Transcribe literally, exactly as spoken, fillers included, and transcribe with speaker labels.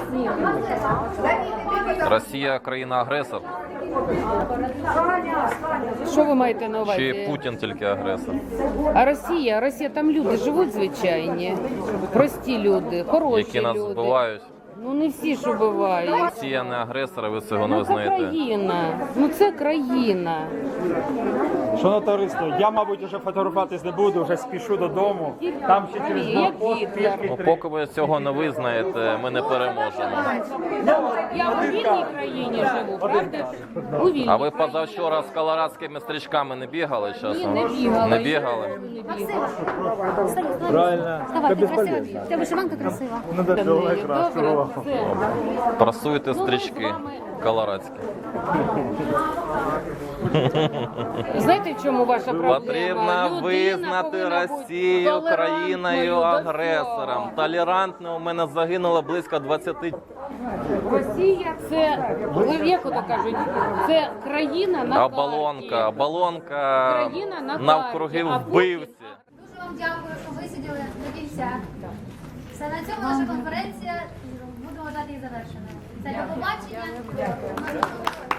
Speaker 1: Росія країна-агресор?
Speaker 2: Що ви маєте на увазі?
Speaker 1: Чи Путін тільки агресор?
Speaker 2: А Росія, Росія, там люди живуть звичайні, прості люди, хороші
Speaker 1: Які нас
Speaker 2: люди.
Speaker 1: вбивають?
Speaker 2: Ну не всі ж убивають.
Speaker 1: Росія не агресор, а ви цього не
Speaker 2: Ну це
Speaker 1: визнаєте?
Speaker 2: країна, ну це країна.
Speaker 3: Шановне товариство, я, мабуть, вже фотографуватись не буду, вже спішу додому. Там ще через
Speaker 2: Як
Speaker 3: блокпост
Speaker 2: Гітлер.
Speaker 3: пішки
Speaker 1: Ну,
Speaker 3: три.
Speaker 1: поки ви цього не визнаєте, ми не переможемо.
Speaker 2: Я у вільній країні живу, правда ж? У вільній
Speaker 1: А ви
Speaker 2: країні.
Speaker 1: позавчора з колорадськими стрічками не бігали
Speaker 2: Ні,
Speaker 1: часом?
Speaker 2: не бігала.
Speaker 1: Не бігали?
Speaker 2: Не бігала.
Speaker 3: Правильно.
Speaker 4: Давай, ти красива. У тебе вишиванка красива.
Speaker 3: Ну, да,
Speaker 2: Добре, все.
Speaker 1: Прасуєте стрічки колорадські.
Speaker 2: Знаєте, в чому ваша проблема?
Speaker 1: Потрібно
Speaker 2: Людина
Speaker 1: визнати
Speaker 2: повинна бути
Speaker 1: Росію
Speaker 2: толерантною
Speaker 1: країною
Speaker 2: до
Speaker 1: агресором.
Speaker 2: всього.
Speaker 1: Толерантно у мене загинуло близько двадцяти.
Speaker 2: Росія це, ви як ото кажуть, це країна на
Speaker 1: Оболонка,
Speaker 2: карті.
Speaker 1: оболонка
Speaker 2: Країна на
Speaker 1: навкруги
Speaker 2: карті, а
Speaker 1: вбивці.
Speaker 4: Дуже вам дякую, що висиділи до кінця. Все, на цьому наша конференція, будемо вважати її завершеною. Це до побачення.